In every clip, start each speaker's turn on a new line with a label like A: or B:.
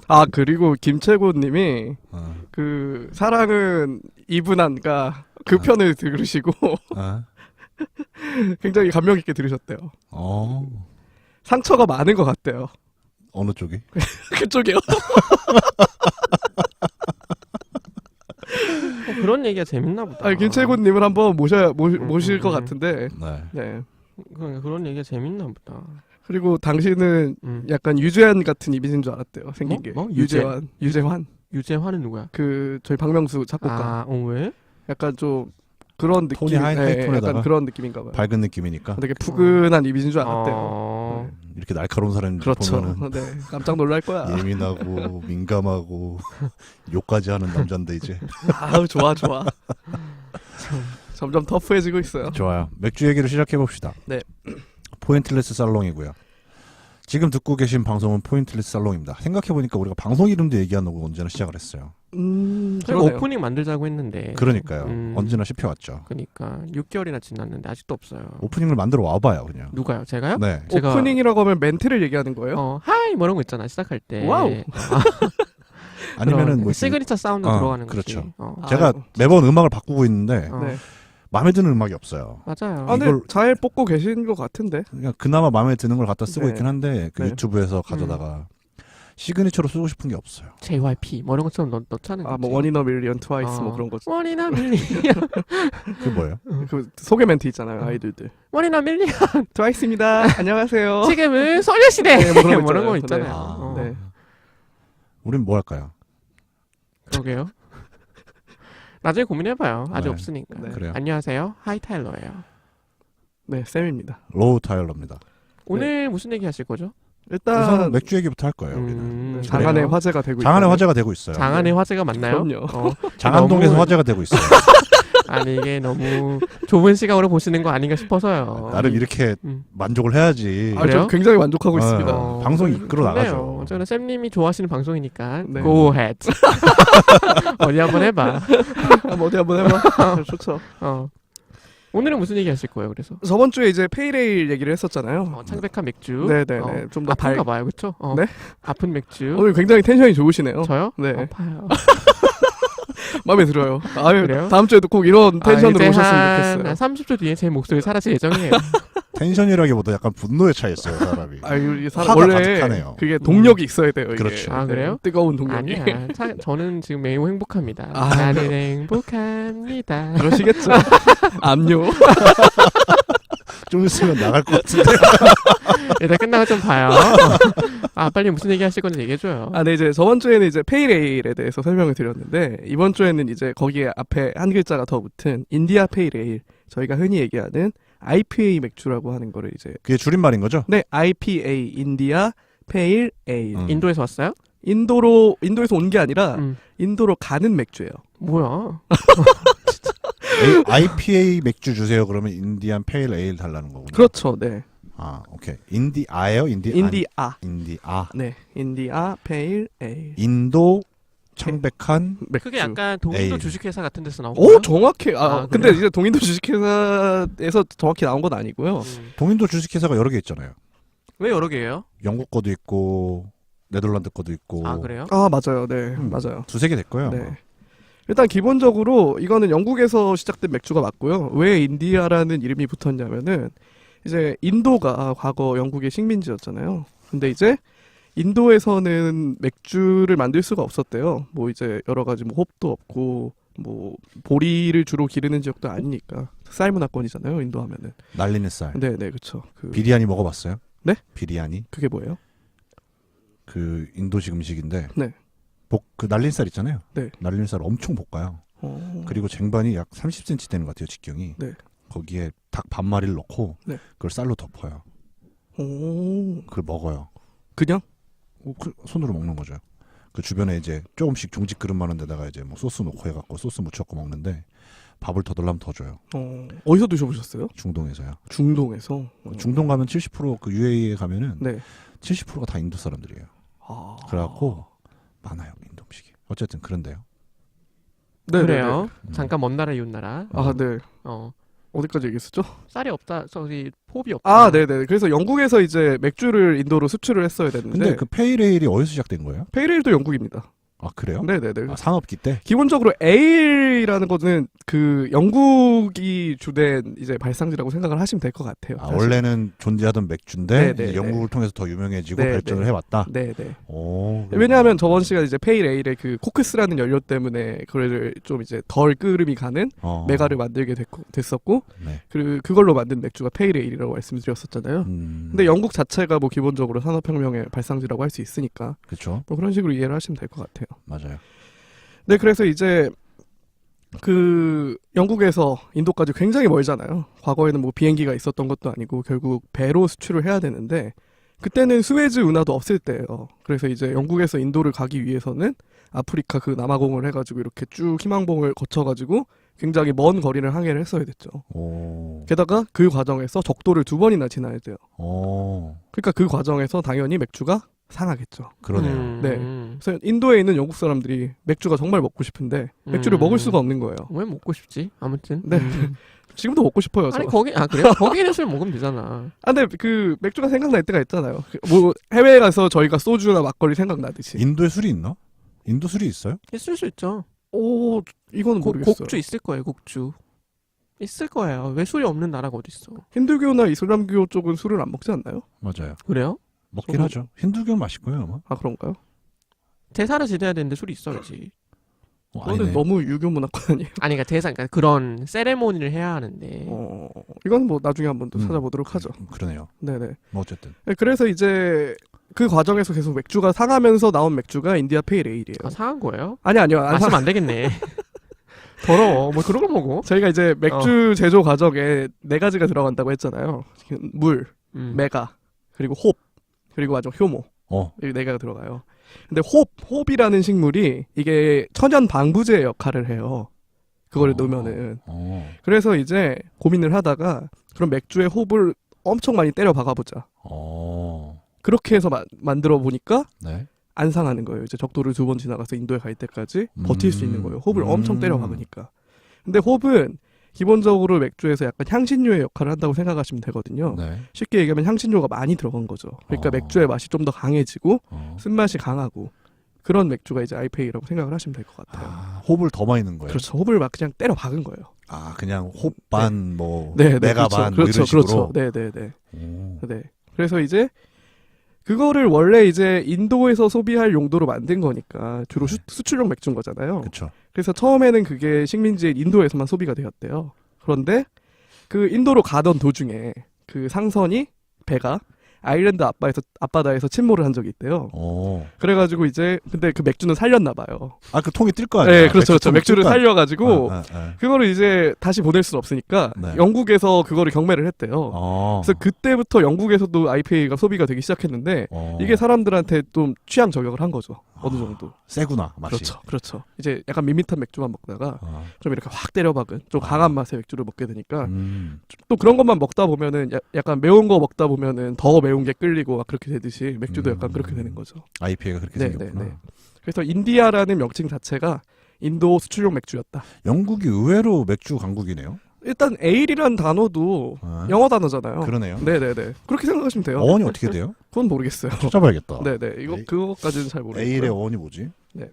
A: 아 그리고 김채곤님이
B: 어.
A: 그 사랑은 이분한가 그 편을 들으시고
B: 어?
A: 굉장히 감명 있게 들으셨대요.
B: 어.
A: 상처가 많은 것 같대요.
B: 어느 쪽이?
A: 그쪽이요.
C: 그런 얘기가 재밌나 보다.
A: 아니, 김채곤님을 한번 모실 것 같은데.
B: 네.
A: 네.
C: 그러니까 그런 얘기가 재밌나 보다.
A: 그리고 당신은 약간 유재환 같은 이미지인 줄 알았대요. 생긴
C: 뭐?
A: 게.
C: 뭐?
A: 유재환.
C: 유재환은 누구야?
A: 그 저희 박명수 작곡가.
C: 왜?
A: 약간 좀 그런 느낌.
B: 톤이 하이톤에다가
A: 약간 그런 느낌인가 봐요.
B: 밝은 느낌이니까.
A: 되게 푸근한 이미지인 줄 알았대요.
B: 이렇게 날카로운 사람
A: 그렇죠.
B: 보면은
A: 네. 깜짝 놀랄 거야.
B: 예민하고 민감하고 욕까지 하는 남잔데 이제.
A: 아우 좋아. 점점 터프해지고 있어요.
B: 좋아요. 맥주 얘기를 시작해 봅시다.
A: 네.
B: 포인트레스 살롱이고요. 지금 듣고 계신 방송은 포인트레스 살롱입니다. 생각해보니까 우리가 방송 이름도 얘기하는 거 언제나 시작을 했어요.
C: 저희가
A: 그러네요.
C: 오프닝 만들자고 했는데.
B: 그러니까요. 언제나 씹혀왔죠.
C: 그러니까 6개월이나 지났는데 아직도 없어요.
B: 오프닝을 만들어 와봐요, 그냥.
C: 누가요? 제가요?
B: 네.
C: 제가
A: 오프닝이라고 하면 멘트를 얘기하는 거예요?
C: 하이 뭐 이런 거 있잖아 시작할 때.
A: 와우.
B: 아니면은 뭐
C: 시그니처 사운드 들어가는 거지.
B: 그렇죠.
C: 어.
B: 제가
A: 아유,
B: 매번 음악을 바꾸고 있는데
A: 네.
B: 마음에 드는 음악이 없어요.
C: 맞아요.
A: 아, 근데
B: 이걸-
A: 잘 뽑고 계신 것 같은데.
B: 그냥 그나마 마음에 드는 걸 갖다 쓰고
A: 네.
B: 있긴 한데 그
A: 네.
B: 유튜브에서 가져다가 시그니처로 쓰고 싶은 게 없어요.
C: JYP 뭐 이런 것처럼 넣자는 거지.
A: 아, 뭐 원이너 밀리언 트와이스 뭐 그런 거.
C: 원이나 밀리언.
B: 그게 뭐예요?
A: 그 소개 멘트 있잖아요, 아이돌들.
C: 원이나 밀리언.
A: 트와이스입니다. 안녕하세요.
C: 지금은 소녀시대.
A: 네, 뭐 그런 거
C: 뭐 이런 거
A: 있잖아요.
C: 있잖아요.
A: 네.
B: 우린 뭐 할까요?
C: 그러게요. 나중에 고민해봐요. 아직
B: 네.
C: 없으니까.
A: 네.
B: 그래요.
C: 안녕하세요. 하이타일러예요.
A: 네, 쌤입니다.
B: 로우 타일러입니다.
C: 오늘 무슨 얘기 하실 거죠?
B: 우선
A: 일단
B: 맥주 얘기부터 할 거예요. 우리는.
A: 장안의
C: 그래요?
A: 화제가 되고
B: 장안의
A: 있다는-
B: 화제가 되고 있어요.
C: 장안의 화제가 맞나요?
A: 그럼요.
B: 장안동에서
C: 너무-
B: 화제가 되고 있어요.
C: 아니 이게 너무 좁은 시각으로 보시는 거 아닌가 싶어서요.
B: 나름 이렇게
C: 음.
B: 만족을 해야지.
A: 아,
C: 그래요?
A: 저 굉장히 만족하고 있습니다.
B: 방송 이끌어 나가죠.
C: 저는 쌤님이 좋아하시는 방송이니까
A: 네.
C: go ahead. 어디 한번 해봐.
A: 어디 한번 해봐. 좋죠.
C: 오늘은 무슨 얘기 하실 거예요? 그래서
A: 저번 주에 이제 페이레일 얘기를 했었잖아요.
C: 창백한 맥주.
A: 네네네. 좀 더
C: 아픈가 봐요, 그렇죠?
A: 네?
C: 아픈 맥주.
A: 오늘 굉장히 텐션이 좋으시네요.
C: 저요?
A: 네.
C: 아파요.
A: 마음에 들어요. 아유,
C: 그래요?
A: 다음 주에도 꼭 이런 텐션으로
C: 이제
A: 오셨으면
C: 한
A: 좋겠어요.
C: 30초 뒤에 제 목소리 사라질 예정이에요.
B: 텐션이라기보다 약간 분노에 차 있어요, 사람이.
A: 아유, 이
B: 화가
A: 사람 원래
B: 가득하네요.
A: 그게 동력이 있어야 돼요. 이게.
B: 그렇죠.
C: 아, 그래요?
A: 뜨거운 동력이.
C: 아니야. 저는 지금 매우 행복합니다.
A: 아,
C: 나는 행복합니다.
A: 그러시겠죠. 압류.
B: 좀 있으면 나갈 것 같은데.
C: 일단 끝나고 좀 봐요. 빨리 무슨 얘기 하실 건지 얘기해줘요.
A: 아, 네, 이제 저번 주에는 이제 페이레일에 대해서 설명을 드렸는데 이번 주에는 이제 거기에 앞에 한 글자가 더 붙은 인디아 페이레일, 저희가 흔히 얘기하는 IPA 맥주라고 하는 거를 이제
B: 그게 줄임말인 거죠?
A: 네, IPA 인디아 페일 에일.
C: 인도에서 왔어요?
A: 인도에서 온 게 아니라
C: 음.
A: 인도로 가는 맥주예요.
C: 뭐야?
B: IPA 맥주 주세요. 그러면 인디안 페일 에일 달라는 거군요.
A: 그렇죠. 네.
B: 아, 오케이. 인디아예요?
A: 인디아.
B: 인디아.
A: 네. 인디아 페일 에일.
B: 인도 창백한
A: 맥주.
C: 그게 약간 동인도
B: 에이.
C: 주식회사 같은 데서 나온
A: 오,
C: 거예요?
A: 정확해.
C: 아,
A: 근데
C: 그래요?
A: 이제 동인도 주식회사에서 정확히 나온 건 아니고요.
B: 동인도 주식회사가 여러 개 있잖아요.
C: 왜 여러 개예요?
B: 영국 거도 있고 네덜란드 거도 있고.
C: 아 그래요?
A: 아, 맞아요. 네. 맞아요.
B: 두세 개 됐고요. 아마.
A: 네. 일단 기본적으로 이거는 영국에서 시작된 맥주가 맞고요. 왜 인디아라는 이름이 붙었냐면은 이제 인도가 과거 영국의 식민지였잖아요. 근데 이제 인도에서는 맥주를 만들 수가 없었대요. 뭐 이제 여러 가지 뭐 홉도 없고 뭐 보리를 주로 기르는 지역도 아니니까 쌀 문화권이잖아요. 인도 하면은.
B: 날리는 쌀.
A: 네, 네, 그렇죠.
B: 비리아니 먹어봤어요?
A: 네?
B: 비리아니.
A: 그게 뭐예요?
B: 그 인도식 음식인데.
A: 네.
B: 그 날린 쌀 있잖아요.
A: 네.
B: 날린 쌀 엄청 볶아요. 그리고 쟁반이 약 30cm 되는 것 같아요, 직경이.
A: 네.
B: 거기에 닭 반 마리를 넣고
A: 네.
B: 그걸 쌀로 덮어요.
A: 오.
B: 그걸 먹어요.
A: 그냥?
B: 손으로 먹는 거죠. 그 주변에 이제 조금씩 중식 그릇 많은 데다가 이제 뭐 소스 넣고 해갖고 소스 묻혀갖고 먹는데 밥을 더 달라면 더 줘요.
A: 어디서 드셔보셨어요?
B: 중동에서요.
A: 중동에서.
B: 중동 가면 70%그 UAE에 가면은
A: 네.
B: 70%가 다 인도 사람들이에요. 그래갖고 많아요, 인도 음식이. 어쨌든 그런데요.
A: 네,
C: 그래요.
A: 네,
C: 잠깐 먼 나라 이웃 나라.
A: 네. 아, 네. 어디까지 얘기했었죠?
C: 쌀이 없다. 저기 포비 없다.
A: 아, 네네. 그래서 영국에서 이제 맥주를 인도로 수출을 했어야 됐는데
B: 근데 그 페이레일이 어디서 시작된 거예요?
A: 페이레일도 영국입니다.
B: 아 그래요?
A: 네네네.
B: 아, 상업기 때?
A: 기본적으로 에일이라는 거는 그 영국이 주된 이제 발상지라고 생각을 하시면 될 것 같아요.
B: 아,
A: 사실.
B: 원래는 존재하던 맥주인데
A: 네,
B: 이제
A: 네,
B: 영국을 통해서 더 유명해지고
A: 네,
B: 발전을
A: 네.
B: 해왔다.
A: 네네.
B: 오,
A: 왜냐하면 저번 시간에 이제 페일 에일의 그 코크스라는 연료 때문에 그걸 좀 이제 덜 끓음이 가는 메가를 만들게 됐었고
B: 네.
A: 그걸로 만든 맥주가 페일 에일이라고 말씀드렸었잖아요. 근데 영국 자체가 뭐 기본적으로 산업혁명의 발상지라고 할 수 있으니까
B: 그렇죠.
A: 뭐 그런 식으로 이해를 하시면 될 것 같아요.
B: 맞아요.
A: 네, 그래서 이제 그 영국에서 인도까지 굉장히 멀잖아요. 과거에는 뭐 비행기가 있었던 것도 아니고 결국 배로 수출을 해야 되는데 그때는 수에즈 운하도 없을 때예요. 그래서 이제 영국에서 인도를 가기 위해서는 아프리카 그 남아공을 해가지고 이렇게 쭉 희망봉을 거쳐가지고 굉장히 먼 거리를 항해를 했어야 됐죠.
B: 오.
A: 게다가 그 과정에서 적도를 2번이나 지나야 돼요.
B: 오.
A: 그러니까 그 과정에서 당연히 맥주가 상하겠죠.
B: 그러네요.
A: 네. 그래서 인도에 있는 영국 사람들이 맥주가 정말 먹고 싶은데 맥주를 먹을 수가 없는 거예요.
C: 왜 먹고 싶지? 아무튼.
A: 네. 지금도 먹고 싶어요. 저.
C: 아니 거기 그래요? 거기는 술 먹으면 되잖아.
A: 아, 근데 그 맥주가 생각날 때가 있잖아요. 뭐 해외에 가서 저희가 소주나 막걸리 생각나듯이.
B: 인도에 술이 있나? 인도 술이 있어요?
C: 있을 수 있죠.
A: 오, 이거는 모르겠어요.
C: 곡주 있을 거예요. 곡주. 있을 거예요. 왜 술이 없는 나라가 어디 있어?
A: 힌두교나 이슬람교 쪽은 술을 안 먹지 않나요?
B: 맞아요.
C: 그래요?
B: 먹긴
A: 저도-
B: 하죠. 힌두교는 맛있고요, 아마.
A: 아, 그런가요?
C: 대사를 지내야 되는데 술이 있어야지.
A: 그거는
B: 아니네.
A: 너무 유교 문화권 아니에요?
C: 아니 그러니까 대사 그러니까 그런 세레모니를 해야 하는데.
A: 이건 뭐 나중에 한번 또 찾아보도록 하죠.
B: 그러네요.
A: 네네.
B: 뭐 어쨌든.
A: 네, 그래서 이제 그 과정에서 계속 맥주가 상하면서 나온 맥주가 인디아 페일 에일이에요.
C: 아 상한 거예요?
A: 아니요. 안
C: 마시면 안 되겠네. 더러워. 뭐 그런 걸 먹어?
A: 저희가 이제 맥주 제조 과정에 4가지가 들어간다고 했잖아요. 물, 메가, 그리고 홉, 그리고 아주 효모. 이 4개가 들어가요. 근데 홉이라는 식물이 이게 천연 방부제 역할을 해요. 그거를 넣으면은. 그래서 이제 고민을 하다가 그럼 맥주에 홉을 엄청 많이 때려 박아보자. 그렇게 해서 만들어 보니까
B: 네.
A: 안 상하는 거예요. 이제 적도를 2번 지나가서 인도에 갈 때까지 버틸 수 있는 거예요. 홉을 엄청 때려 박으니까. 근데 홉은 기본적으로 맥주에서 약간 향신료의 역할을 한다고 생각하시면 되거든요.
B: 네.
A: 쉽게 얘기하면 향신료가 많이 들어간 거죠. 그러니까 맥주의 맛이 좀 더 강해지고 쓴맛이 강하고 그런 맥주가 이제 IPA라고 생각을 하시면 될 것 같아요.
B: 아, 홉을 더 많이 넣은 거예요.
A: 그렇죠. 홉을 막 그냥 때려 박은 거예요.
B: 아, 그냥 홉 반, 뭐
A: 네,
B: 메가 반, 뭐 이런 식으로.
A: 네네네.
B: 오.
A: 네. 그래서 이제 그거를 원래 이제 인도에서 소비할 용도로 만든 거니까 주로 수출용 맥주인 거잖아요.
B: 그렇죠.
A: 그래서 처음에는 그게 식민지인 인도에서만 소비가 되었대요. 그런데 그 인도로 가던 도중에 그 상선이 배가 아일랜드 앞바다에서 침몰을 한 적이 있대요. 그래가지고 이제 근데 그 맥주는 살렸나 봐요.
B: 아, 그 통이 뜰 거 아니에요?
A: 네, 그렇죠. 맥주를 살려가지고
B: 아.
A: 그거를 이제 다시 보낼 수는 없으니까
B: 네.
A: 영국에서 그거를 경매를 했대요. 그래서 그때부터 영국에서도 IPA가 소비가 되기 시작했는데 이게 사람들한테 좀 취향 저격을 한 거죠. 어느 정도.
B: 세구나, 맛이.
A: 그렇죠. 이제 약간 밋밋한 맥주만 먹다가 좀 이렇게 확 때려박은 좀 강한 맛의 맥주를 먹게 되니까 또 그런 것만 먹다 보면은 약간 매운 거 먹다 보면은 더 매운 게 끌리고 막 그렇게 되듯이 맥주도 약간 그렇게 되는 거죠.
B: IPA가 그렇게
A: 네,
B: 생겼구나.
A: 네, 네. 그래서 인디아라는 명칭 자체가 인도 수출용 맥주였다.
B: 영국이 의외로 맥주 강국이네요.
A: 일단 에일이란 단어도 영어 단어잖아요.
B: 그러네요.
A: 네네네. 그렇게 생각하시면 돼요.
B: 어원이 어떻게 돼요?
A: 그건 모르겠어요.
B: 찾아봐야겠다.
A: 네네. 그거까지는 잘 모르겠어요.
B: 에일의 어원이 뭐지?
A: 네.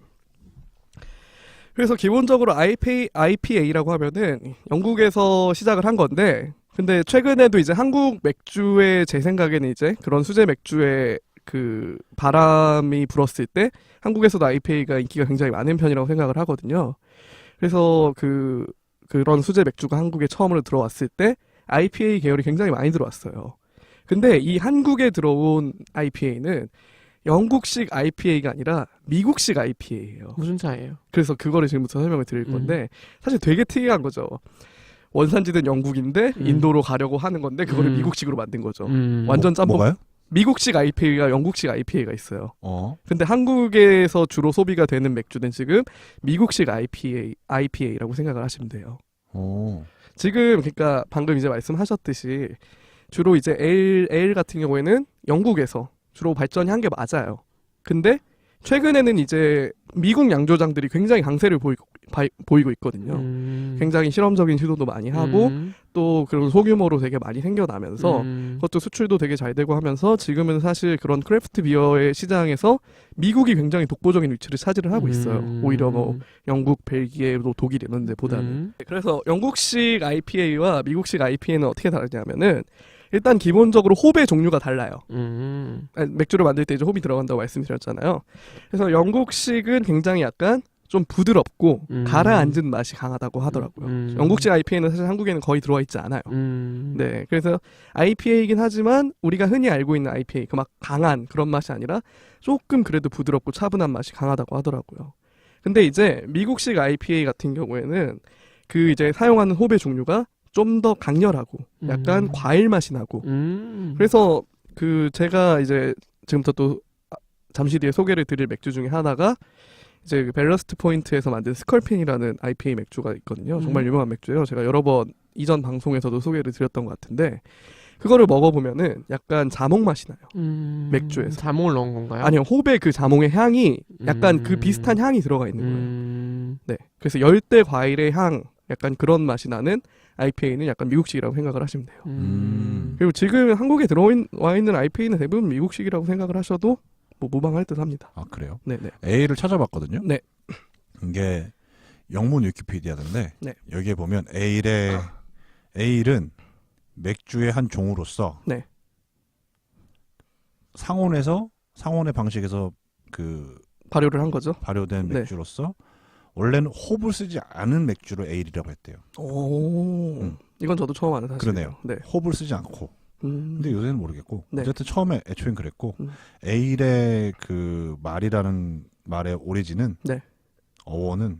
A: 그래서 기본적으로 IPA라고 하면은 영국에서 시작을 한 건데, 근데 최근에도 이제 한국 맥주의 제 생각에는 이제 그런 수제 맥주의 그 바람이 불었을 때 한국에서도 IPA가 인기가 굉장히 많은 편이라고 생각을 하거든요. 그래서 그런 수제 맥주가 한국에 처음으로 들어왔을 때 IPA 계열이 굉장히 많이 들어왔어요. 근데 이 한국에 들어온 IPA는 영국식 IPA가 아니라 미국식 IPA예요.
C: 무슨 차이예요?
A: 그래서 그거를 지금부터 설명을 드릴 건데 사실 되게 특이한 거죠. 원산지는 영국인데 인도로 가려고 하는 건데 그거를 미국식으로 만든 거죠. 완전 짬뽕.
B: 뭐가요?
A: 미국식 IPA가 영국식 IPA가 있어요. 근데 한국에서 주로 소비가 되는 맥주는 지금 미국식 IPA라고 생각을 하시면 돼요. 지금 그러니까 방금 이제 말씀하셨듯이 주로 이제 에일 같은 경우에는 영국에서 주로 발전이 한 게 맞아요. 근데 최근에는 이제 미국 양조장들이 굉장히 강세를 보이고 있거든요. 굉장히 실험적인 시도도 많이 하고 또 그런 소규모로 되게 많이 생겨나면서 그것도 수출도 되게 잘 되고 하면서 지금은 사실 그런 크래프트 비어의 시장에서 미국이 굉장히 독보적인 위치를 차지를 하고 있어요. 오히려 뭐 영국, 벨기에, 독일 이런 데보다는. 그래서 영국식 IPA와 미국식 IPA는 어떻게 다르냐면은 일단 기본적으로 홉의 종류가 달라요. 맥주를 만들 때 이제 홉이 들어간다고 말씀드렸잖아요. 그래서 영국식은 굉장히 약간 좀 부드럽고 가라앉은 맛이 강하다고 하더라고요. 영국식 IPA는 사실 한국에는 거의 들어와 있지 않아요. 네, 그래서 IPA이긴 하지만 우리가 흔히 알고 있는 IPA, 그 막 강한 그런 맛이 아니라 조금 그래도 부드럽고 차분한 맛이 강하다고 하더라고요. 근데 이제 미국식 IPA 같은 경우에는 그 이제 사용하는 홉의 종류가 좀 더 강렬하고 약간 과일 맛이 나고 그래서 그 제가 이제 지금부터 또 잠시 뒤에 소개를 드릴 맥주 중에 하나가 이제 그 밸러스트 포인트에서 만든 스컬핀이라는 IPA 맥주가 있거든요. 정말 유명한 맥주예요. 제가 여러 번 이전 방송에서도 소개를 드렸던 것 같은데 그거를 먹어보면은 약간 자몽 맛이 나요. 맥주에서.
C: 자몽을 넣은 건가요?
A: 아니요, 홉의 그 자몽의 향이 약간 그 비슷한 향이 들어가 있는 거예요. 네, 그래서 열대 과일의 향, 약간 그런 맛이 나는 IPA는 약간 미국식이라고 생각을 하시면 돼요. 그리고 지금 한국에 들어와 있는 IPA는 대부분 미국식이라고 생각을 하셔도 뭐 무방할 듯합니다.
B: 아 그래요?
A: 네네.
B: A를 찾아봤거든요.
A: 네.
B: 이게 영문 위키피디아인데
A: 네.
B: 여기에 보면 에일은 맥주의 한 종으로서
A: 네.
B: 상온의 방식에서 그
A: 발효를 한 거죠.
B: 발효된
A: 네.
B: 맥주로서 원래는 홉을 쓰지 않은 맥주를 에일이라고 했대요.
A: 오, 이건 저도 처음 아는 사실이에요.
B: 그러네요.
A: 네.
B: 홉을 쓰지 않고. 근데 요새는 모르겠고.
A: 네.
B: 어쨌든 처음에 애초엔 그랬고 에일의 그 말이라는 말의 오리진은
A: 네.
B: 어원은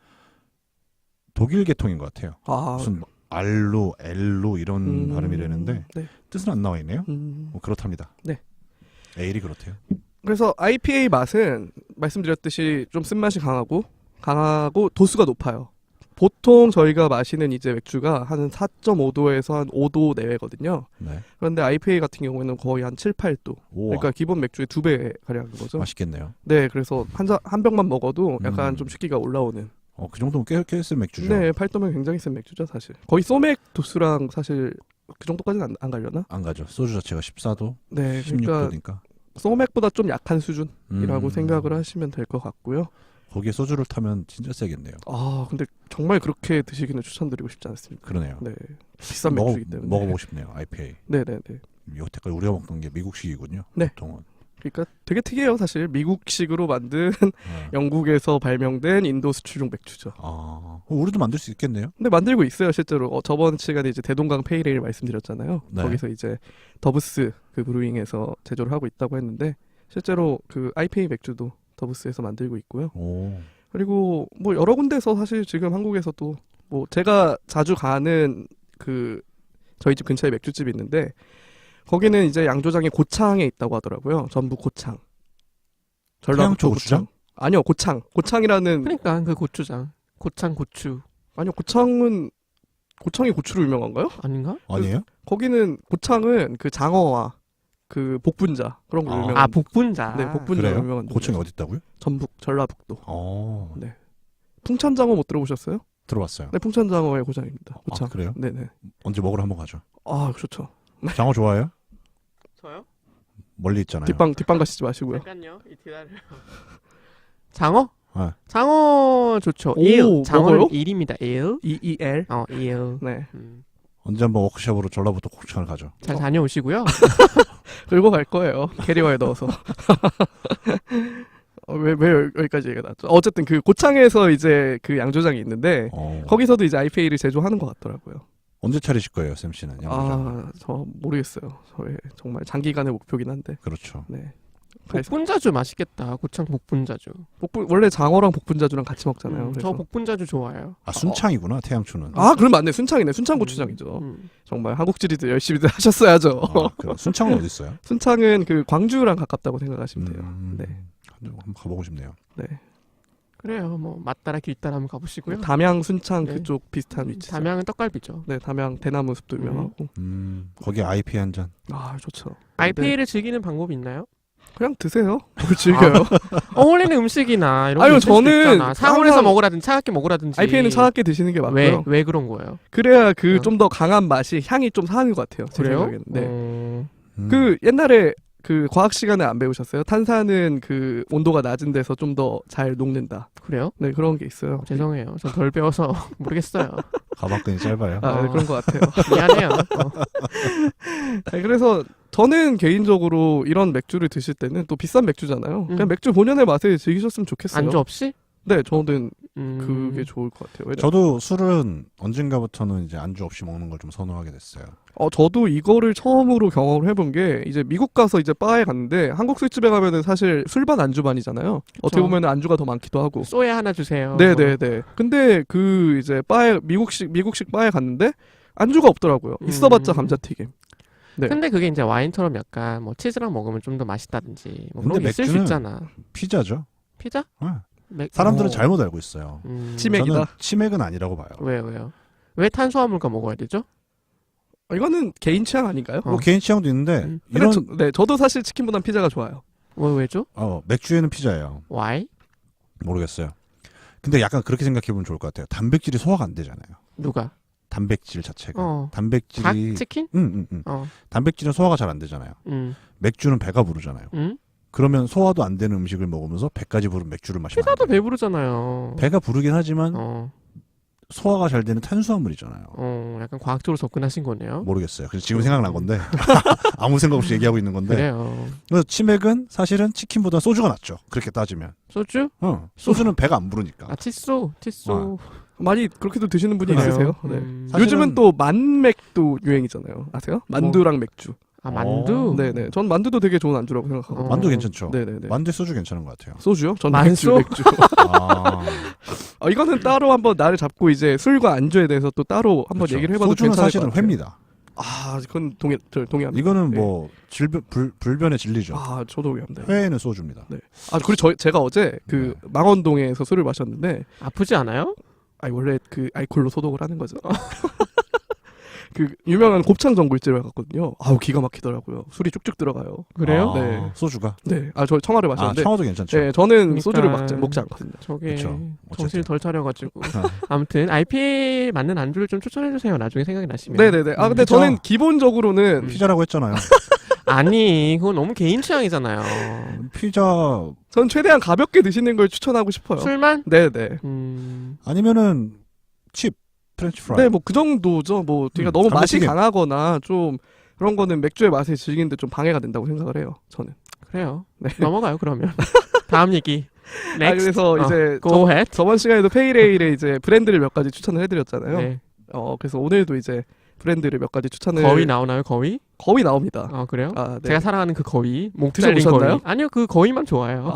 B: 독일 계통인 것 같아요.
A: 아,
B: 무슨 알로, 엘로 이런 발음이라는데
A: 네.
B: 뜻은 안 나와 있네요. 뭐 그렇답니다.
A: 네.
B: 에일이 그렇대요.
A: 그래서 IPA 맛은 말씀드렸듯이 좀 쓴맛이 강하고 도수가 높아요. 보통 저희가 마시는 이제 맥주가 한 4.5도에서 한 5도 내외거든요.
B: 네.
A: 그런데 IPA 같은 경우에는 거의 한 7, 8도.
B: 오,
A: 그러니까 기본 맥주의 2배 가량인 거죠.
B: 맛있겠네요.
A: 네, 그래서 한 병만 먹어도 약간 좀 식기가 올라오는.
B: 그 정도면 꽤 센 맥주죠.
A: 네, 8도면 굉장히 센 맥주죠, 사실. 거의 소맥 도수랑 사실 그 정도까지는 안 가려나?
B: 안 가죠. 소주 자체가 14도,
A: 네, 그러니까
B: 16도니까.
A: 소맥보다 좀 약한 수준이라고 생각을 하시면 될 것 같고요.
B: 거기에 소주를 타면 진짜 세겠네요.
A: 아, 근데 정말 그렇게 드시기는 추천드리고 싶지 않습니다.
B: 그러네요.
A: 네, 비싼 맥주이기 때문에.
B: 먹어보고 싶네요. IPA.
A: 네네네.
B: 여태까지 우리가 먹던 게 미국식이군요.
A: 네.
B: 보통은.
A: 그러니까 되게 특이해요, 사실. 미국식으로 만든
B: 네.
A: 영국에서 발명된 인도 수출용 맥주죠.
B: 우리도 만들 수 있겠네요.
A: 근데 만들고 있어요, 실제로. 저번 시간에 이제 대동강 페이레일 말씀드렸잖아요.
B: 네.
A: 거기서 이제 더브스 그 브루잉에서 제조를 하고 있다고 했는데 실제로 그 IPA 맥주도 더브스에서 만들고 있고요.
B: 오.
A: 그리고 뭐 여러 군데서 사실 지금 한국에서도 뭐 제가 자주 가는 그 저희 집 근처에 맥주집이 있는데 거기는 이제 양조장이 고창에 있다고 하더라고요. 전북 고창. 전라북도
B: 고추장?
A: 아니요, 고창이라는.
C: 그러니까 그 고추장. 고창 고추.
A: 아니요, 고창이 고추로 유명한가요?
C: 아닌가?
B: 아니에요?
A: 거기는 고창은 그 장어와 그 복분자 그런 거 유명한.
C: 아, 복분자.
A: 네, 복분자
B: 그래요?
A: 유명한.
B: 고창이 어디 있다고요?
A: 전북, 전라북도.
B: 네.
A: 풍천장어 못 들어보셨어요?
B: 들어봤어요.
A: 네, 풍천장어의 고장입니다. 고창.
B: 그래요?
A: 네네.
B: 언제 먹으러 한번 가죠.
A: 아, 좋죠.
B: 장어 좋아해요?
C: 저요?
B: 멀리 있잖아요.
A: 뒷방 가시지 마시고요.
C: 잠깐요. 기다려. 장어?
B: 네.
C: 장어 좋죠.
A: 오,
C: 일. 장어는
A: 먹어요?
C: 일입니다. 일.
A: EEL.
C: 일.
A: 네.
B: 언제 한번 워크숍으로 전라북도 고창을 가죠.
C: 잘 다녀오시고요.
A: 끌고 갈 거예요. 캐리어에 넣어서. 왜 여기까지 얘기가 나왔죠? 어쨌든 그 고창에서 이제 그 양조장이 있는데 거기서도 이제 IPA를 제조하는 것 같더라고요.
B: 언제 차리실 거예요, 샘 씨는? 양조장.
A: 저 모르겠어요. 저의 정말 장기간의 목표긴 한데.
B: 그렇죠.
A: 네.
C: 복분자주 맛있겠다. 고창 복분자주.
A: 원래 장어랑 복분자주랑 같이 먹잖아요.
C: 저 복분자주 좋아해요.
B: 순창이구나, 태양초는.
A: 그럼 맞네. 순창이네. 순창 고추장이죠. 정말 한국지리들 열심히들 하셨어야죠.
B: 순창은 어디 있어요?
A: 순창은 그 광주랑 가깝다고 생각하시면 돼요. 네.
B: 한번 가보고 싶네요.
A: 네.
C: 그래요. 뭐 맛따라 길따라 한번 가보시고요.
A: 담양, 순창
C: 네.
A: 그쪽 비슷한 위치.
C: 담양은 떡갈비죠.
A: 네, 담양 대나무 숲도 유명하고.
B: 거기 IPA 한 잔.
A: 좋죠.
C: IPA를 즐기는 방법이 있나요?
A: 그냥 드세요. 뭘 즐겨요.
C: 어울리는 음식이나 이런
A: 아유,
C: 거 있을 수도
A: 저는
C: 있잖아. 상온에서
A: 항상
C: 먹으라든지 차갑게 먹으라든지.
A: IPA는 차갑게 드시는 게 맞고요.
C: 왜 그런 거예요?
A: 그래야 그
C: 어.
A: 좀 더 강한 맛이 향이 좀 사는 것 같아요. 제
C: 그래요?
A: 생각에는. 네.
B: 음.
A: 그 옛날에 그 과학 시간에 안 배우셨어요? 탄산은 그 온도가 낮은 데서 좀 더 잘 녹는다.
C: 그래요?
A: 네, 그런 게 있어요.
C: 죄송해요. 전 덜 배워서 모르겠어요.
B: 가방끈이 짧아요.
A: 아, 네,
C: 어.
A: 그런 것 같아요.
C: 미안해요.
A: 네, 그래서 저는 개인적으로 이런 맥주를 드실 때는 또 비싼 맥주잖아요. 그냥 맥주 본연의 맛을 즐기셨으면 좋겠어요.
C: 안주 없이?
A: 네, 저는
C: 음.
A: 그게 좋을 것 같아요. 왜냐-
B: 저도 술은 언젠가부터는 이제 안주 없이 먹는 걸 좀 선호하게 됐어요.
A: 저도 이거를 처음으로 경험을 해본 게 이제 미국 가서 이제 바에 갔는데 한국 술집에 가면은 사실 술반 안주반이잖아요. 어떻게 보면 안주가 더 많기도 하고.
C: 쏘야 하나 주세요.
A: 네네네. 근데 그 이제 바에 미국식 바에 갔는데 안주가 없더라고요. 있어봤자 감자튀김. 네.
C: 근데 그게 이제 와인처럼 약간 뭐 치즈랑 먹으면 좀 더 맛있다든지 뭐 그런
B: 근데
C: 게 있을 수
B: 맥주는
C: 있잖아.
B: 피자죠.
C: 피자?
B: 네.
C: 맥...
B: 사람들은
A: 어.
B: 잘못 알고 있어요.
A: 치맥이다.
B: 저는 치맥은 아니라고 봐요.
C: 왜요? 왜 탄수화물과 먹어야 되죠?
A: 이거는 개인 취향 아닌가요?
B: 뭐 개인 취향도 있는데
C: 음.
B: 이런
A: 저도 사실 치킨보단 피자가 좋아요.
C: 왜죠?
B: 맥주에는 피자예요.
C: Why?
B: 모르겠어요. 근데 약간 그렇게 생각해보면 좋을 것 같아요. 단백질이 소화가 안 되잖아요.
C: 누가?
B: 단백질 자체가.
C: 닭?
B: 단백질이
C: 치킨?
B: 응. 단백질은 소화가 잘 안 되잖아요. 맥주는 배가 부르잖아요. 그러면 소화도 안 되는 음식을 먹으면서 배까지 부른 맥주를 마시면
C: 피자도
B: 안 돼요.
C: 배부르잖아요.
B: 배가 부르긴 하지만
C: 어.
B: 소화가 잘 되는 탄수화물이잖아요.
C: 약간 과학적으로 접근하신 거네요.
B: 모르겠어요. 그래서 지금 생각난 건데 아무 생각 없이 얘기하고 있는 건데.
C: 그래요.
B: 그래서 치맥은 사실은 치킨보다 소주가 낫죠. 그렇게 따지면.
C: 소주?
B: 소주는 배가 안 부르니까.
C: 아 칫소.
A: 많이 그렇게도 드시는 분이
C: 그래요?
A: 있으세요. 네.
B: 사실은-
A: 요즘은 또 만맥도 유행이잖아요. 아세요? 만두랑 맥주.
C: 아 만두?
A: 네네. 전 만두도 되게 좋은 안주라고 생각하고.
B: 만두 괜찮죠.
A: 네네네.
B: 만두 소주 괜찮은 것 같아요.
A: 소주요? 전
C: 만소?
A: 맥주.
B: 아,
A: 이거는 따로 한번 날을 잡고 이제 술과 안주에 대해서 또 따로 한번
B: 그렇죠.
A: 얘기를 해봐도
B: 소주는
A: 괜찮을
B: 사실은
A: 것 같아요.
B: 회입니다.
A: 그건 동의합니다.
B: 이거는
A: 네.
B: 뭐 불변의 진리죠.
A: 저도 동의합니다.
B: 회에는 소주입니다.
A: 네. 그리고 제가 어제 그 망원동에서 술을 마셨는데,
C: 아프지 않아요?
A: 원래 그 알코올로 소독을 하는 거죠. 그 유명한 곱창 전골집에 갔거든요. 기가 막히더라고요. 술이 쭉쭉 들어가요.
C: 그래요?
A: 네.
B: 소주가.
A: 네. 저 청아를 마셨는데,
B: 청아도 괜찮죠.
A: 네, 저는
C: 그러니까-
A: 소주를 먹지 않거든요.
C: 저게
B: 그쵸.
C: 정신을
B: 어쨌든.
C: 덜 차려가지고 아무튼 IPA 맞는 안주를 좀 추천해주세요. 나중에 생각이 나시면.
A: 네네네. 근데
B: 그쵸.
A: 저는 기본적으로는
B: 피자라고 했잖아요.
C: 아니 그건 너무 개인 취향이잖아요.
B: 피자
A: 전 최대한 가볍게 드시는 걸 추천하고 싶어요.
C: 술만?
A: 네네.
B: 아니면은 칩 프렌치 프라이.
A: 네, 뭐 그 정도죠. 뭐 되게 너무 맛이
B: 감자튀김.
A: 강하거나 좀 그런 거는 맥주의 맛을 즐기는데 좀 방해가 된다고 생각을 해요. 저는.
C: 그래요.
A: 네.
C: 넘어가요 그러면. 다음 얘기. Next.
A: 그래서 이제
C: Go ahead.
A: 저번 시간에도 페이레일의 이제 브랜드를 몇 가지 추천을 해드렸잖아요.
C: 네.
A: 그래서 오늘도 이제 브랜드를 몇 가지 추천을
C: 거위 나오나요 거위?
A: 거의 나옵니다.
C: 그래요?
A: 네.
C: 제가 사랑하는 그 거위. 목 잘린
A: 드셔보셨나요?
C: 거위. 아니요 그 거위만 좋아요.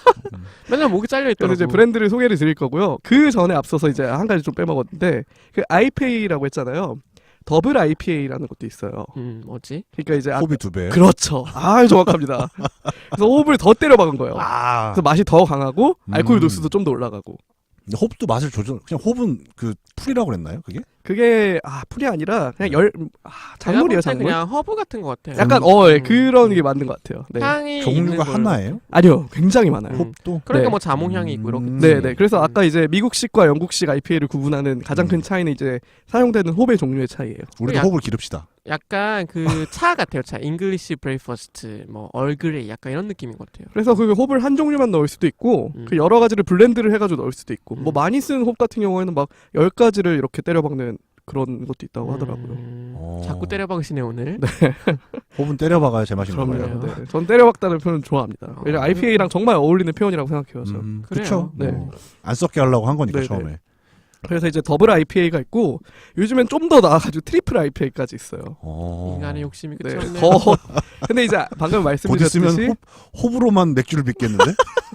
C: 맨날 목이 잘려
A: 그래서
C: 있더라고.
A: 이제 브랜드를 소개를 드릴 거고요. 그 전에 앞서서 이제 한 가지 좀 빼먹었는데 그 IPA라고 했잖아요. 더블 IPA라는 것도 있어요.
C: 뭐지?
A: 그러니까 이제
B: 호비 2배.
A: 그렇죠. 정확합니다. 그래서 호흡을 더 때려 박은 거예요. 그래서 맛이 더 강하고 알코올 도수도 좀 더 올라가고.
B: 근데 홉도 맛을 조절. 그냥 홉은 그 풀이라고 그랬나요? 그게?
A: 풀이 아니라 그냥 작물이에요, 작물.
C: 그냥 허브 같은 것 같아요.
A: 약간 그런 게 맞는 것 같아요. 네.
C: 향이
B: 종류가
C: 있는 걸-
B: 하나예요?
A: 아니요, 굉장히 많아요.
B: 홉도.
C: 그러니까
A: 네.
C: 뭐 자몽향이 있고 이렇게.
A: 네. 그래서 아까 이제 미국식과 영국식 IPA를 구분하는 가장 큰 차이는 이제 사용되는 홉의 종류의 차이예요.
B: 우리도
C: 약-
B: 홉을 기릅시다.
C: 약간 그 차 같아요. 차. 잉글리시 브레이퍼스트, 뭐 얼그레이 약간 이런 느낌인 것 같아요.
A: 그래서 그 홉을 한 종류만 넣을 수도 있고 그 여러 가지를 블렌드를 해가지고 넣을 수도 있고 뭐 많이 쓴 홉 같은 경우에는 막 10가지를 이렇게 때려박는 그런 것도 있다고 하더라고요.
C: 자꾸 때려박으시네 오늘.
B: 홉은 때려박아야 제맛인
A: 그럼요.
B: 거예요.
A: 네. 전 때려박다는 표현 좋아합니다. 왜냐면 IPA랑 정말 어울리는 표현이라고 생각해요. 저.
B: 그렇죠.
A: 네.
B: 안 썩게 하려고 한 거니까
A: 네네.
B: 처음에.
A: 그래서 이제 더블 IPA가 있고 요즘엔 좀 더 나아가지고 트리플 IPA까지 있어요.
C: 인간의 욕심이
A: 네.
C: 끝이 없네요.
A: 근데 이제 방금
B: 곧 있으면
A: 말씀드렸듯이
B: 홉으로만 맥주를 빚겠는데?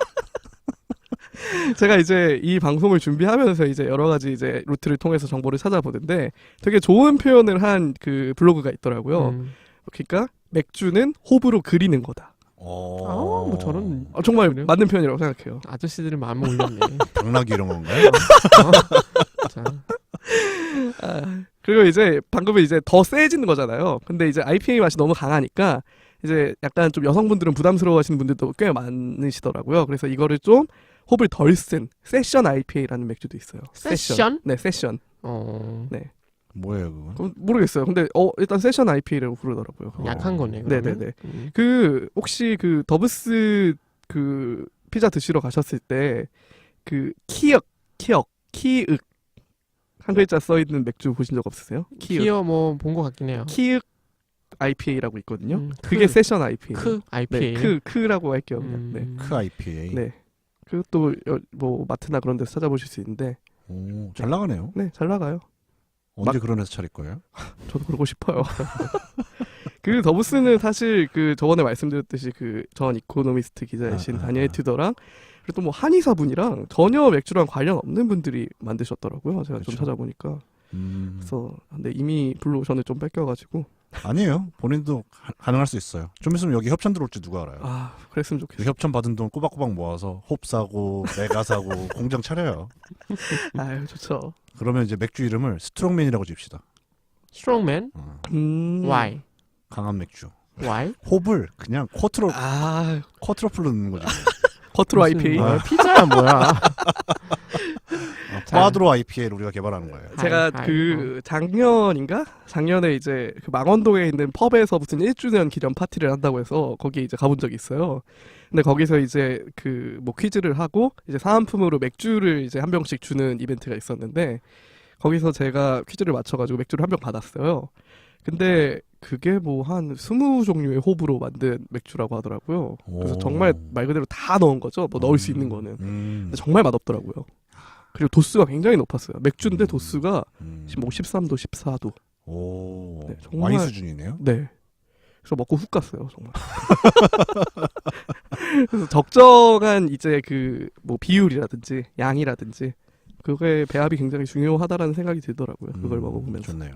A: 제가 이제 이 방송을 준비하면서 이제 여러 가지 이제 루트를 통해서 정보를 찾아보는데 되게 좋은 표현을 한 그 블로그가 있더라고요. 그러니까 맥주는 홉으로 그리는 거다.
C: 뭐 저런
A: 정말
C: 그래요?
A: 맞는 표현이라고 생각해요.
C: 아저씨들은 마음 올렸네.
B: 당나귀 이런 건가요?
C: 자,
A: 그리고 이제 방금은 이제 더 세지는 거잖아요. 근데 이제 IPA 맛이 너무 강하니까 이제 약간 좀 여성분들은 부담스러워하시는 분들도 꽤 많으시더라고요. 그래서 이거를 좀 홉을 덜 쓴 세션 IPA라는 맥주도 있어요.
C: 세션?
A: 네, 세션.
C: 네.
B: 뭐예요 그건?
A: 그럼 모르겠어요. 근데 일단 세션 IPA라고 부르더라고요. 그거.
C: 약한 거네.
A: 네네네.
C: 그러면.
A: 그 혹시 그 더브스 그 피자 드시러 가셨을 때 그 키읔 한 글자 써 있는 맥주 보신 적 없으세요?
C: 키어 뭐 본 것 같긴 해요.
A: 키읔 IPA라고 있거든요.
C: 크,
A: 그게 세션 IPA.
C: 크 IPA.
A: 네, 크라고 할게요. 그냥. 네.
B: 크 IPA.
A: 네. 그것도 뭐 마트나 그런 데서 찾아보실 수 있는데
B: 오, 잘 나가네요.
A: 네, 잘 나가요.
B: 언제 그런 회사 차릴 거예요?
A: 저도 그러고 싶어요. 그 더브스는 사실 그 저번에 말씀드렸듯이 그 전 이코노미스트 기자이신 다니엘 튜더랑 그리고 또 뭐 한의사분이랑 전혀 맥주랑 관련 없는 분들이 만드셨더라고요. 제가 좀
B: 그렇죠.
A: 찾아보니까. 그래서 근데 이미 블루오션을 좀 뺏겨가지고
B: 아니에요. 본인도 가능할 수 있어요. 좀 있으면 여기 협찬 들어올지 누가 알아요.
A: 아 그랬으면
B: 그
A: 좋겠어요.
B: 협찬 받은 돈 꼬박꼬박 모아서 홉 사고 메가 사고 공장 차려요.
A: 아유 좋죠.
B: 그러면 이제 맥주 이름을 스트롱맨이라고 집시다.
C: 스트롱맨? Why?
B: 강한 맥주.
C: Why?
B: 홉을 그냥 쿼트로
A: 아
B: 쿼트로플로 넣는 거죠.
A: 커트로
C: 무슨
A: IPA.
C: 뭐야, 피자야 뭐야?
B: 꽈드로 IPA를 우리가 개발하는 거예요.
A: 제가
C: 하이,
A: 그 작년에 이제 그 망원동에 있는 펍에서 무슨 1주년 기념 파티를 한다고 해서 거기 이제 가본 적이 있어요. 근데 거기서 이제 그 뭐 퀴즈를 하고 이제 사은품으로 맥주를 이제 한 병씩 주는 이벤트가 있었는데 거기서 제가 퀴즈를 맞춰가지고 맥주를 한 병 받았어요. 근데 그게 뭐 한 20종류의 홉으로 만든 맥주라고 하더라고요. 그래서
B: 오.
A: 정말 말 그대로 다 넣은 거죠. 뭐 넣을 수 있는 거는.
B: 음.
A: 근데 정말 맛없더라고요. 그리고 도수가 굉장히 높았어요. 맥주인데 도수가 뭐 13도, 14도.
B: 오.
A: 네, 정말-
B: 와인 수준이네요.
A: 네. 그래서 먹고 훅 갔어요, 정말. 그래서 적정한 이제 그 뭐 비율이라든지 양이라든지 그거의 배합이 굉장히 중요하다라는 생각이 들더라고요. 그걸 먹어보면서.
B: 좋네요.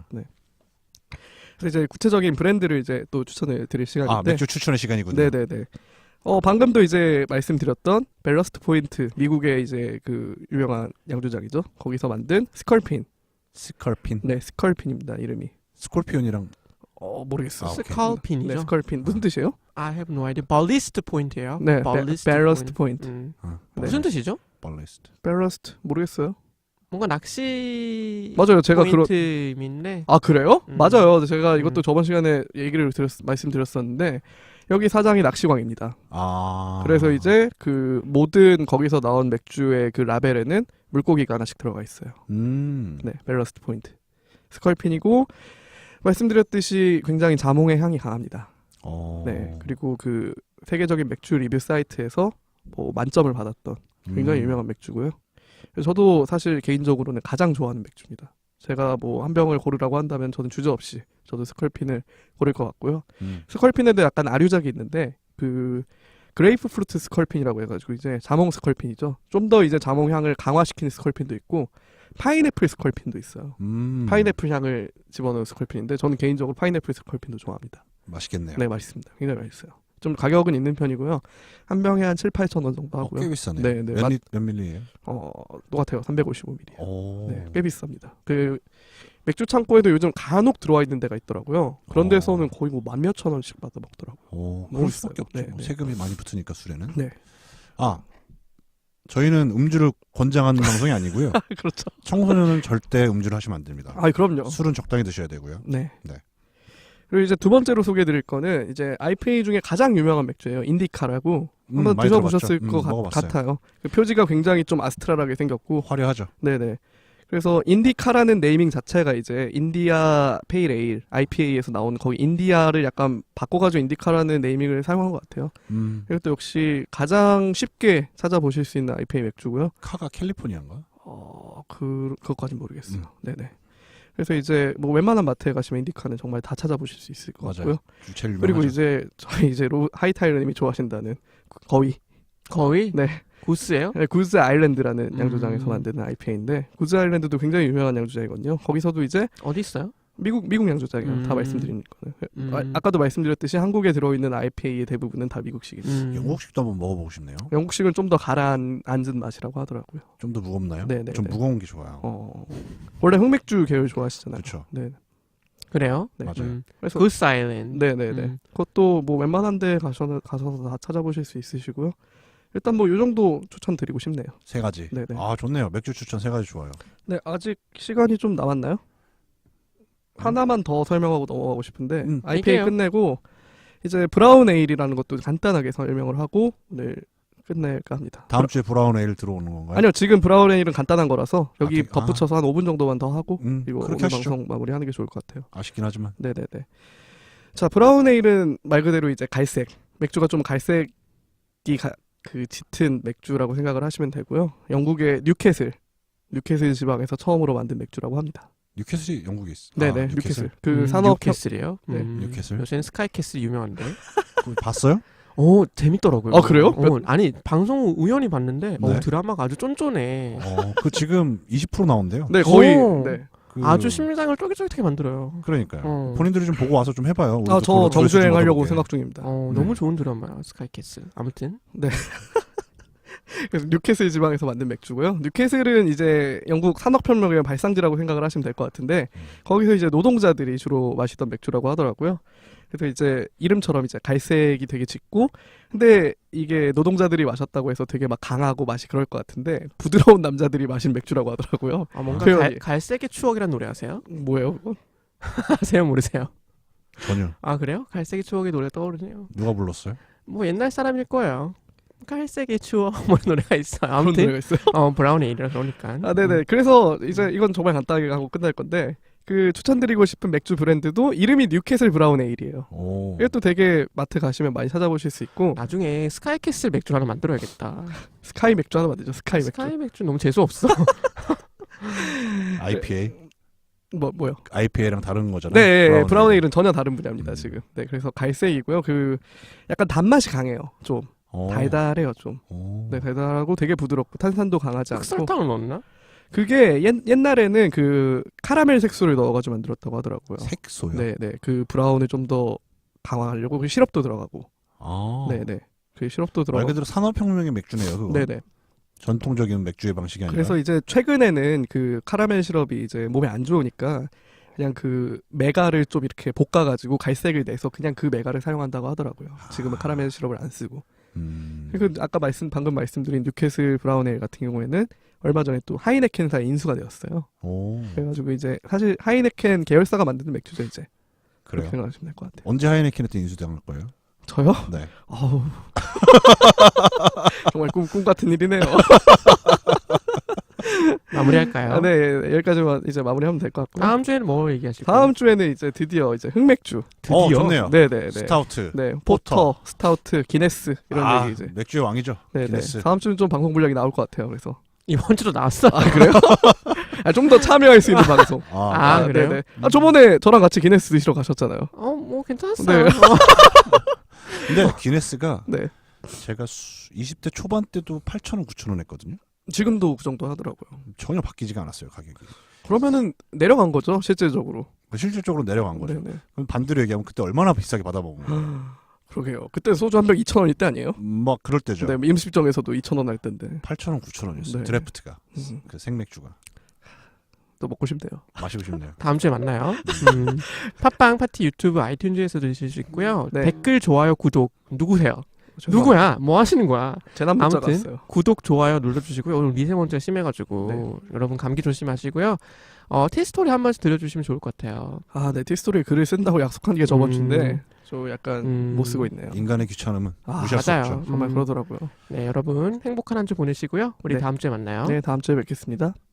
A: 그래서 이제 구체적인 브랜드를 이제 또 추천을 드릴
B: 아,
A: 시간인데.
B: 맥주 추천의 시간이군요.
A: 네네네. 방금도 이제 말씀드렸던 밸러스트 포인트, 미국의 이제 그 유명한 양조장이죠. 거기서 만든 스컬핀.
B: 스컬핀.
A: 네, 스컬핀입니다, 이름이.
B: 스콜피온이랑
A: 모르겠어요.
B: 아, 오케이.
C: 스칼핀이죠.
A: 네, 스컬핀. 무슨 뜻이에요?
C: I have no idea. 발리스트 포인트예요.
A: 네,
C: 발리스트
A: 밸러스트 포인트.
B: 아,
C: 무슨 뜻이죠?
B: 발리스트.
A: 밸러스트 모르겠어요.
C: 뭔가 낚시
A: 맞아요. 제가
C: 포인트인데
A: 아 그래요?
C: 음.
A: 맞아요. 제가 이것도 저번 시간에 얘기를 말씀드렸었는데 여기 사장이 낚시광입니다.
B: 아.
A: 그래서 이제 그 모든 거기서 나온 맥주의 그 라벨에는 물고기가 하나씩 들어가 있어요. 네, 밸러스트 포인트. 스컬핀이고 말씀드렸듯이 굉장히 자몽의 향이 강합니다. 네, 그리고 그 세계적인 맥주 리뷰 사이트에서 뭐 만점을 받았던 굉장히 유명한 맥주고요. 그래서 저도 사실 개인적으로는 가장 좋아하는 맥주입니다. 제가 뭐 한 병을 고르라고 한다면 저는 주저없이 저도 스컬핀을 고를 것 같고요. 스컬핀에도 약간 아류작이 있는데 그 그레이프 프루트 스컬핀이라고 해가지고 이제 자몽 스컬핀이죠. 좀 더 이제 자몽 향을 강화시키는 스컬핀도 있고 파인애플 스컬핀도 있어요. 파인애플 향을 집어넣은 스컬핀인데 저는 개인적으로 파인애플 스컬핀도 좋아합니다.
B: 맛있겠네요.
A: 네, 맛있습니다. 굉장히 맛있어요. 좀 가격은 있는 편이고요. 한 병에 한 7, 8천 원 정도 하고요.
B: 꽤 비싸네.
A: 네, 네.
B: 몇 밀리예요?
A: 똑같아요. 355ml.
B: 오.
A: 네, 꽤 비쌉니다. 그 맥주 창고에도 요즘 간혹 들어와 있는 데가 있더라고요. 그런 데서는 거의 뭐 10,000몇 원씩 받아 먹더라고요.
B: 오,
A: 너무
B: 그럴 수밖에
A: 비싸요.
B: 없죠.
A: 네, 네.
B: 세금이 많이 붙으니까 술에는.
A: 네.
B: 아, 저희는 음주를 권장하는 방송이 아니고요.
A: 그렇죠.
B: 청소년은 절대 음주를 하시면 안 됩니다.
A: 아, 그럼요.
B: 술은 적당히 드셔야 되고요.
A: 네.
B: 네.
A: 그리고 이제 두 번째로 소개해드릴 거는 이제 IPA 중에 가장 유명한 맥주예요. 인디카라고 한번
B: 많이
A: 드셔보셨을
B: 들어봤죠.
A: 것
B: 먹어봤어요.
A: 같아요. 그 표지가 굉장히 좀 아스트랄하게 생겼고,
B: 화려하죠.
A: 네네. 그래서 인디카라는 네이밍 자체가 이제 인디아 페일 에일 IPA에서 나온 거기 인디아를 약간 바꿔가지고 인디카라는 네이밍을 사용한 것 같아요. 그리고 또 역시 가장 쉽게 찾아보실 수 있는 IPA 맥주고요.
B: 카가 캘리포니아인가?
A: 그것까진 모르겠어요. 네네. 그래서 이제 뭐 웬만한 마트에 가시면 인디카는 정말 다 찾아보실 수 있을 것
B: 맞아요.
A: 같고요.
B: 제일 유명하죠.
A: 그리고 이제 저희 이제 하이타이러님이 좋아하신다는 거위.
C: 거의
A: 네.
C: 구스예요?
A: 네, 구즈 아일랜드라는 양조장에서 만드는 IPA인데 구즈 아일랜드도 굉장히 유명한 양조장이거든요. 거기서도 이제
C: 어디 있어요?
A: 미국 양조장이에요. 다 말씀드린 거는. 아까도 말씀드렸듯이 한국에 들어있는 IPA의 대부분은 다 미국식이에요.
B: 영국식도 한번 먹어보고 싶네요.
A: 영국식은 좀 더 가라앉은 맛이라고 하더라고요.
B: 좀 더 무겁나요?
A: 네네.
B: 좀 무거운 게 좋아요.
A: 원래 흑맥주 계열 좋아하시잖아요.
B: 그렇죠.
A: 네.
C: 그래요?
A: 네.
B: 맞아요.
A: 그래서
C: Goose Island.
A: 네네네. 그것도 뭐 웬만한 데 가셔서 다 찾아보실 수 있으시고요. 일단 뭐 요 정도 추천드리고 싶네요.
B: 세 가지.
A: 네네.
B: 아 좋네요. 맥주 추천 세 가지 좋아요.
A: 네, 아직 시간이 좀 남았나요? 하나만 더 설명하고 넘어가고 싶은데 IPA
C: 얘기해요.
A: 끝내고 이제 브라운 에일이라는 것도 간단하게 설명을 하고 오늘 끝낼까 합니다.
B: 다음 주에 브라운 에일 들어오는 건가요?
A: 아니요, 지금 브라운 에일은 간단한 거라서 여기
B: 되게-
A: 덧붙여서 한 5분 정도만 더 하고 이거
B: 그렇게
A: 오늘
B: 하시죠.
A: 방송 마무리하는 게 좋을 것 같아요.
B: 아쉽긴 하지만.
A: 네네네. 자, 브라운 에일은 말 그대로 이제 갈색 맥주가 좀 갈색이 그 짙은 맥주라고 생각을 하시면 되고요. 영국의 뉴캐슬 지방에서 처음으로 만든 맥주라고 합니다.
B: 뉴캐슬이 영국에 있어.
A: 네네,
B: 아,
A: 뉴캐슬. 그 산업
C: 뉴캐슬이에요?
A: 네.
B: 뉴캐슬.
C: 요새는 스카이캐슬 유명한데.
B: 그거 봤어요?
C: 오, 재밌더라고요.
A: 아, 그래요?
C: 아니, 방송 우연히 봤는데
B: 네.
C: 드라마가 아주 쫀쫀해.
B: 그 지금 20% 나온대요.
A: 네, 거의.
C: 오.
A: 네.
B: 그-
C: 아주 심장을 쫄깃쫄깃하게 만들어요.
B: 그러니까요. 본인들이 좀 보고 와서 좀 해봐요. 우리도
A: 아, 저
B: 그걸로
A: 정주행
B: 조회수 좀
A: 하려고
B: 얻어볼게.
A: 생각 중입니다.
C: 너무 좋은 드라마야, 스카이캐슬. 아무튼.
A: 그래서 뉴캐슬 지방에서 만든 맥주고요. 뉴캐슬은 이제 영국 산업혁명의 발상지라고 생각을 하시면 될 것 같은데 거기서 이제 노동자들이 주로 마시던 맥주라고 하더라고요. 그래서 이제 이름처럼 이제 갈색이 되게 짙고 근데 이게 노동자들이 마셨다고 해서 되게 막 강하고 맛이 그럴 것 같은데 부드러운 남자들이 마신 맥주라고 하더라고요.
C: 아, 뭔가
A: 표현이.
C: 갈색의 추억이란 노래 아세요?
A: 뭐예요, 그건?
C: 아세요, 모르세요?
B: 전혀.
C: 아, 그래요? 갈색의 추억의 노래 떠오르네요.
B: 누가 불렀어요?
C: 뭐 옛날 사람일 거예요. 갈색의 추억 뭐 이런 노래가 있어요.
A: 그런
C: 아무튼
A: 노래가 있어요.
C: 브라운 에일이라 그러니까.
A: 아, 네네. 그래서 이제 이건 정말 간단하게 하고 끝날 건데 그 추천드리고 싶은 맥주 브랜드도 이름이 뉴캐슬 브라운 에일이에요.
B: 오.
A: 이것도 되게 마트 가시면 많이 찾아보실 수 있고
C: 나중에 스카이캐슬 맥주 하나 만들어야겠다.
A: 스카이 맥주 하나 만들죠. 스카이 맥주.
C: 스카이 맥주 너무 재수 없어.
B: IPA.
A: 뭐요?
B: IPA랑 다른 거잖아요.
A: 네, 브라운
B: 에일.
A: 에일은 전혀 다른 분야입니다 지금. 네, 그래서 갈색이고요. 그 약간 단맛이 강해요. 좀 달달해요 좀.
B: 오.
A: 네, 달달하고 되게 부드럽고 탄산도 강하지 않고.
C: 흑설탕을 넣었나?
A: 그게 옛날에는 그 카라멜 색소를 넣어가지고 만들었다고 하더라고요.
B: 색소요.
A: 네, 네, 그 브라운을 좀 더 강화하려고 그 시럽도 들어가고.
B: 아.
A: 네, 네, 그 시럽도
B: 말
A: 들어가고.
B: 그대로 산업혁명의 맥주네요. 그거.
A: 네, 네.
B: 전통적인 맥주의 방식이 아니라.
A: 그래서 이제 최근에는 그 카라멜 시럽이 이제 몸에 안 좋으니까 그냥 그 메가를 좀 이렇게 볶아가지고 갈색을 내서 그냥 그 메가를 사용한다고 하더라고요. 지금은 카라멜 시럽을 안 쓰고. 그리고 아까 방금 말씀드린 뉴캐슬 브라운 에일 같은 경우에는 얼마 전에 또 하이네켄사에 인수가 되었어요.
B: 오.
A: 그래가지고 이제 사실 하이네켄 계열사가 만드는 맥주죠 이제. 그렇게
B: 그래요.
A: 생각하시면 될 것 같아요.
B: 언제 하이네켄한테 인수당할 거예요?
A: 저요?
B: 네.
A: 아우. 정말 꿈 같은 일이네요.
C: 마무리할까요?
A: 아, 네, 여기까지만 이제 마무리하면 될 것 같고요.
C: 다음 주에는 뭐 얘기하실 거예요?
A: 다음 주에는 이제 드디어 이제 흑맥주.
C: 드디어?
B: 좋네요.
A: 네네네.
B: 스타우트.
A: 네,
B: 포터.
A: 포터, 스타우트, 기네스 이런 얘기 이제.
B: 맥주의 왕이죠.
A: 네네.
B: 기네스.
A: 다음 주는 좀 방송 분량이 나올 것 같아요. 그래서
C: 이번 주도 나왔어.
A: 아 그래요? 좀 더 참여할 수 있는 방송.
C: 아, 그래요?
A: 네네. 아 저번에 저랑 같이 기네스 드시러 가셨잖아요.
C: 뭐 괜찮았어요.
A: 네.
B: 근데 기네스가
A: 네.
B: 제가 20대 초반 때도 8,000원, 9,000원 했거든요.
A: 지금도 그 정도 하더라고요.
B: 전혀 바뀌지가 않았어요, 가격이.
A: 그러면은 내려간 거죠, 실질적으로.
B: 실질적으로 내려간 거죠.
A: 네네.
B: 그럼 반대로 얘기하면 그때 얼마나 비싸게 받아먹은 거예요.
A: 그러게요. 그때 소주 한 병 2,000원 이때 아니에요?
B: 막 그럴 때죠.
A: 네, 임시점에서도 2,000원 할 때인데.
B: 8,000원, 9,000원이었어요.
A: 네.
B: 드래프트가.
A: 음,
B: 그 생맥주가.
A: 또 먹고 싶네요.
B: 마시고 싶네요.
C: 다음 주에 만나요. 팟빵 파티 유튜브 아이튠즈에서 들으실 수 있고요.
A: 네.
C: 댓글 좋아요 구독 누구세요?
A: 죄송합니다.
C: 누구야? 뭐 하시는 거야?
A: 재난 문자가
C: 아무튼
A: 왔어요.
C: 구독 좋아요 눌러주시고요. 오늘 미세먼지가 심해가지고
A: 네.
C: 여러분 감기 조심하시고요. 티스토리 한 번씩 들려주시면 좋을 것 같아요.
A: 아, 네, 티스토리에 글을 쓴다고 약속한 게 저번
C: 음.
A: 주인데 저 약간 못 쓰고 있네요.
B: 인간의 귀찮음은
A: 아,
B: 무시할 수
C: 맞아요.
B: 없죠.
A: 정말
C: 음.
A: 그러더라고요.
C: 네, 여러분 행복한 한 주 보내시고요. 우리
A: 네.
C: 다음 주에 만나요.
A: 네, 다음 주에 뵙겠습니다.